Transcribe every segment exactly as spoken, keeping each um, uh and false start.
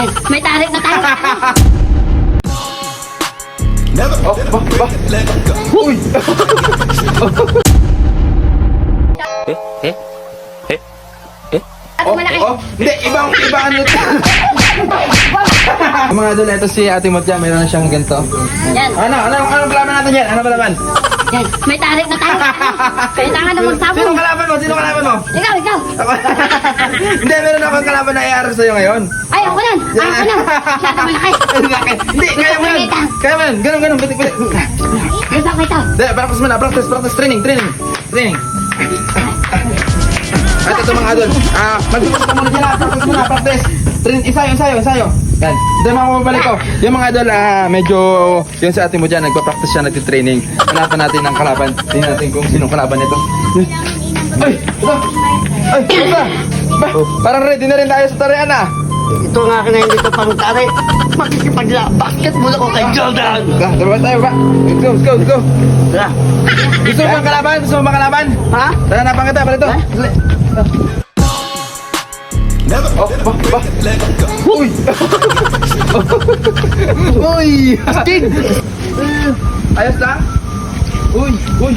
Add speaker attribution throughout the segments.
Speaker 1: May tarik na tayo.
Speaker 2: Oh, ba, ba. Uy!
Speaker 3: Eh? Eh? Eh? Eh?
Speaker 2: Oh, oh, hindi, ibang, ibang ano ito. Mga idol, ito si Ate Motya, mayroon na siyang ganito.
Speaker 1: Yan.
Speaker 2: Ano, ano, ano kalaban natin yan? Ano kalaban?
Speaker 1: Yan. May tarik na tayo. Kailangan na magsabong.
Speaker 2: Sino kalaban mo? Sino kalaban mo?
Speaker 1: Ikaw, ikaw.
Speaker 2: Ako. Hindi, meron akong kalaban na i-aral sa'yo ngayon.
Speaker 1: Ay, ako yan. Ay, ako yan. Masyado malaki.
Speaker 2: Laki. Hindi, kaya mo yan. Kaya mo yan. Ganun, ganun. Bitik, bitik.
Speaker 1: Gusto ko ito.
Speaker 2: Hindi, practice mo na. Practice, practice. Training, training. Training. At ito mga idol. Ah, mag-practice ka muna dyan. Practice muna, practice. Train, isayo, isayo, isayo. Yan. Hindi mga mabalik ko. Yung mga idol, ah, medyo, yung sa atin mo dyan, nagpa-practice siya, nagtitraining. Hanapan natin ng kalaban. Tingnan natin kung sinong kalaban nito. Ay! Ito! Ay! Ito! Ba, parang ready na rin tayo sa tarian ah.
Speaker 4: Ito nga ka na hindi ko pang tari. Makikipag-basketball ako kay Jordan.
Speaker 2: Ba, tara tayo ba? Let's go, let's go, let's go.
Speaker 4: Tara.
Speaker 2: Gusto mo bang kalaban? Gusto mo bang kalaban?
Speaker 4: Ha?
Speaker 2: Tara, napang kita, palito. Oh, ba, ba. Uy! Uy! Sting! Ayos lang? Uy! Uy!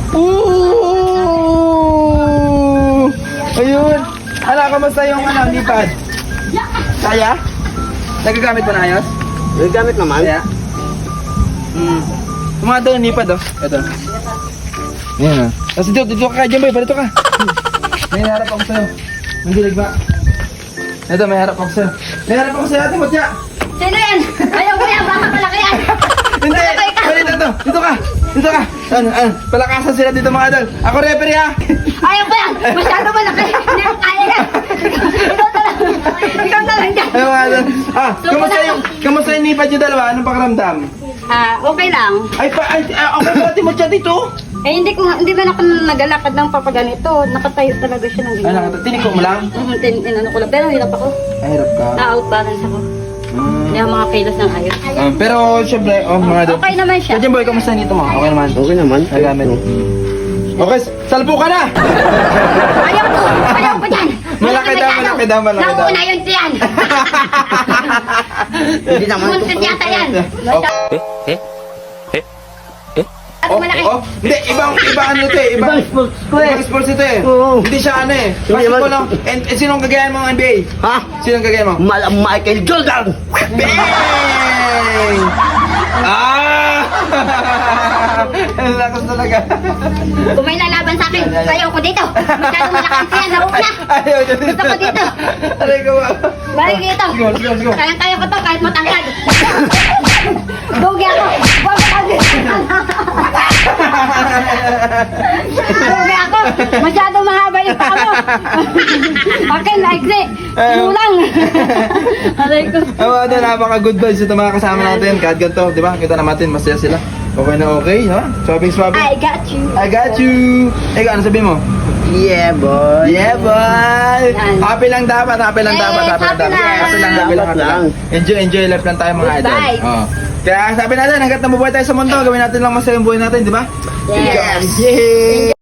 Speaker 2: Ooh! Ayun! Ano, kamusta yung ano, lipad? Kaya? Nagagamit mo na ayos?
Speaker 4: May gamit naman.
Speaker 2: Kaya? Hmm. Tumado yung lipad oh. Ito. Ayan oh. Tapos dito, dito ka kay Jumboy, palito ka. May harap ako sa'yo. Mandilig ba? Ito, may harap ako sa'yo. May harap ako sa'yo, Ate Motya.
Speaker 1: Sino yan? Ayaw ko yan. Baka malaki yan.
Speaker 2: Hindi! Palito to! Dito ka! Dito ka! Ano, ano? Palakasan sila dito mga idol. Ako referee ha!
Speaker 1: Ayaw ko yan. Masyado malaki. Hindi ko kaya yan. Ikaw na lang. Ikaw na lang dyan.
Speaker 2: Ay mga idol. Ah, kamusta yung, kamusta yung lipad yung dalawa? Anong pakiramdam?
Speaker 1: Ah, okay lang.
Speaker 2: Ay, pa, ay, ah, okay ba Ate Motya dito?
Speaker 1: Eh, hindi ko nga- hindi ba ako nagalakad ng papaganito. Nakatayo talaga siya ng
Speaker 2: Ay,
Speaker 1: ganyan.
Speaker 2: nakata, tinig ko mo lang.
Speaker 1: Mhm, tin, inano ko lang. Pero hirap ako.
Speaker 2: Ay, hirap ka.
Speaker 1: Na-out balance ako.
Speaker 2: Hmm.
Speaker 1: Hindi ako mga kilos ng ayos.
Speaker 2: Ah, pero syempre, oh mga idol.
Speaker 1: Okay naman siya.
Speaker 2: Kaya boy, kamusta nito mo? Okay naman.
Speaker 4: Okay naman.
Speaker 2: Nagamit. Okay, salpo ka na!
Speaker 1: Ayaw ko! Ayaw ko dyan!
Speaker 2: Malaki daw, malaki daw, malaki daw.
Speaker 1: Nauna yun siyan!
Speaker 4: Hindi naman ito.
Speaker 1: Muntit yata yan!
Speaker 2: Oh,
Speaker 3: Eh? Eh? Eh? Eh?
Speaker 1: At
Speaker 2: oh,
Speaker 1: malaki!
Speaker 2: oh, hindi, ibang, ibang ano ito eh. Ibang,
Speaker 4: Ibang sports ko eh.
Speaker 2: ibang sports ito eh.
Speaker 4: Oo.
Speaker 2: Hindi siya ano eh.
Speaker 4: Hindi
Speaker 2: Basketball
Speaker 4: naman.
Speaker 2: lang. And, and sinong kagayan mo ng N B A?
Speaker 4: Ha?
Speaker 2: Sinong kagayan mo?
Speaker 4: Malam Michael Jordan.
Speaker 2: Bang! Ah! Ang lakas talaga.
Speaker 1: Kung may lalaban sa akin, sayaw ko dito! Masyado malakas siyan! Nauna!
Speaker 2: Ayaw dyan dito.
Speaker 1: Gusto ko dito!
Speaker 2: Aray ko ba?
Speaker 1: Balik dito!
Speaker 2: Let's go, let's go, let's go.
Speaker 1: Kaya-kaya ko to kahit matangkad! Dugi ako! Huwag mo kami! Dugi ako! Masyado mahaba yung paa mo! Akin, maikli! Kulang! Aray ko!
Speaker 2: Ang mga doon, napaka-good vibes ito mga kasama natin. Kahit ganito, di ba? Kita naman natin, masaya sila. Okay na okay, ha? Swabbing, swabbing.
Speaker 1: I got you!
Speaker 2: I got you! Eh, ano sabihin mo?
Speaker 4: Yeah, boy.
Speaker 2: Yeah, boy!
Speaker 1: Yan.
Speaker 2: Happy lang dapat, happy lang
Speaker 1: Yes,
Speaker 2: dapat, happy lang
Speaker 1: happy
Speaker 2: dapat.
Speaker 1: lang.
Speaker 2: Happy lang, happy lang, happy lang. Enjoy, enjoy life lang tayo mga
Speaker 1: Good
Speaker 2: idol.
Speaker 1: vibes.
Speaker 2: Oh. Kaya sabi natin, hanggat nabubuhay tayo sa mundo, gawin natin lang masaya yung buhay natin, di ba?
Speaker 1: Yes!
Speaker 2: Yay!